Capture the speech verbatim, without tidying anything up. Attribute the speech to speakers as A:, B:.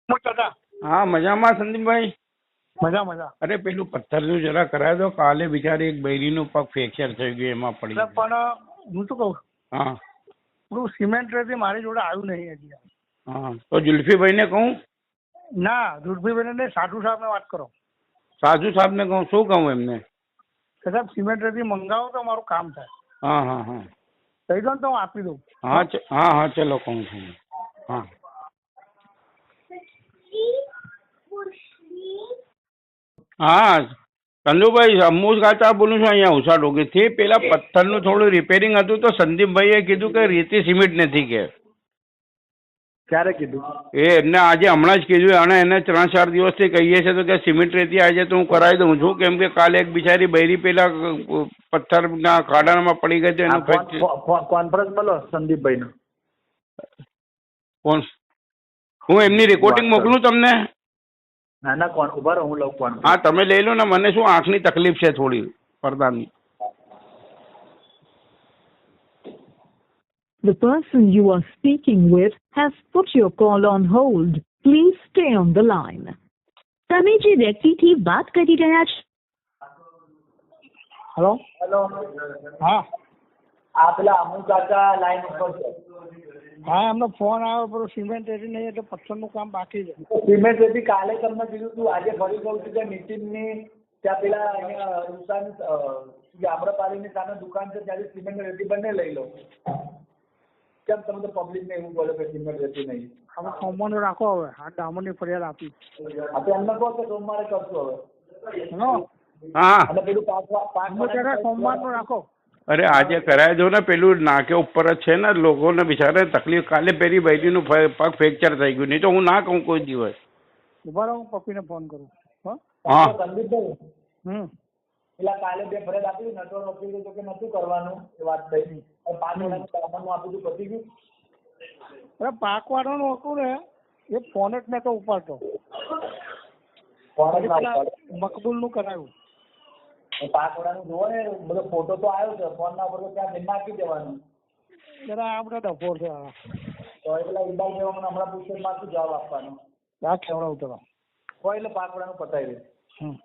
A: દાદા
B: હા મજામાં સંદીપભાઈ.
A: મજા મજા.
B: અરે પેલું પથ્થરનું જરા કરાવી દો. કાલે બિચારી એક બૈરીનું પગ ફ્રેક્ચર થઈ ગયું, એમાં પડી
A: એટલે
B: ગયું.
A: પણ હું શું કહું,
B: હા
A: પેલું સિમેન્ટ રેતી મારી જોડે આવ્યું નહીં હજી.
B: હા તો જુલ્ફીભાઈને કહું?
A: ના, ધુરભીભાઈ ને સાધુ સાહેબ ને વાત કરો.
B: સાજુ સાહેબને કહું? શું કહું એમને?
A: કે સાહેબ સિમેન્ટ રેતી મંગાવો તો મારું કામ થાય.
B: હા હા હા
A: કહી દો ને તો હું આપી દઉં.
B: હા ચ- હા હા ચલો કહું છું. હા હા ચંદુભાઈ, અમૂલ કાચા બોલું છું અહીંયા ઉષા ડોગીથી. પેલા પથ્થરનું થોડું રિપેરિંગ હતું તો સંદીપભાઈએ કીધું કે રેતી સિમેન્ટ નથી કે.
A: ક્યારે કીધું?
B: એ એમને આજે હમણાં જ કીધું, અને એને ત્રણ ચાર દિવસથી કહીએ છે તો કે સિમેન્ટ રેતી આજે તો હું કરાવી દઉં છું, કેમ કે કાલે એક બિચારી બૈરી પેલા પથ્થરના ખાડામાં પડી ગઈ હતી, એનું ફ્રેક્ચર.
A: કોન્ફરન્સ બોલો સંદીપભાઈ નો.
B: કોણ? હું એમની રેકોર્ડિંગ મોકલું તમને?
A: ના ના, કોણ ઉભા રહો, હું લઉં કોણ.
B: હા તમે લઈ લો ને. મને શું આંખની તકલીફ છે થોડી, પડદાની.
C: The person you are speaking with has put your call on hold. Please stay on the line. તમે જે વ્યક્તિથી વાત કરી રહ્યા છો.
A: હેલો
D: હેલો,
A: હા
D: આ પેલા અમુલ કાકા લાઈન ઉપર છે.
A: હા, એમનો ફોન આવ્યો, પેલું સિમેન્ટ રેતી નહીં એટલે પથ્થરનું કામ બાકી છે.
D: સિમેન્ટ રેતી કાલે તમને કીધું તું, આજે ફરી કહું છું કે નીતિનની ત્યાં પેલા અહીંયા રૂસાની આમ્રપાલીની સામે દુકાન છે, ત્યાંથી સિમેન્ટ રેતી બંને લઈ લો. કેમ તમે તો પબ્લિકને એવું બોલો કે સિમેન્ટ રેતી નહીં?
A: હવે સોમવારનું રાખો. હવે આ ડામરની ફરિયાદ આપી.
D: આપણે એમને કહો કે સોમવારે કરશું હવે.
A: હેલો,
B: હા
D: અને પેલું પાંચ પાંચ
A: હું ત્યારે સોમવારનું રાખો.
B: અરે આજે કરાવી દો ને. પેલું નાકે ઉપર જ છે ને, લોકોને બિચારે તકલીફ. કાલે પેલી બૈરીનું પગ ફ્રેક્ચર થઈ ગયું, નહીં તો હું ના કહું કોઈ દિવસ.
A: ઉભા રહો, હું પપ્પીને ફોન કરું. હા
B: હા
D: સંદીપભાઈ,
A: હમ
D: પેલા કાલે બે ફરિયાદ આપી, નટવર વકીલે તો કે નતું કરવાનું, એ વાત થઈ. પાંચ વર્ષનું સામાનનું આપી દીધું, પતી ગયું.
A: અરે પાકવાળાનું હતું ને, એ ફોન જ મેં તો ઉપાડતો.
D: કોણ જ
A: મકબૂલ નું કરાયું.
D: પાકવાળાનું જોવો ને, બધો ફોટો તો આવ્યો છે, ફોન ના ઉપર તો ત્યાં બિલ નાખી દેવાનું.
A: જરા આ બધા ડફોર છે. આ
D: તો એ પેલા ઈબાઈ જેવા હમણાં પૂછે માં શું જવાબ આપવાનો?
A: આ કેવડાવું તો
D: કોઈ એટલે પાકવાળાનું પતાવી દે.
A: હમ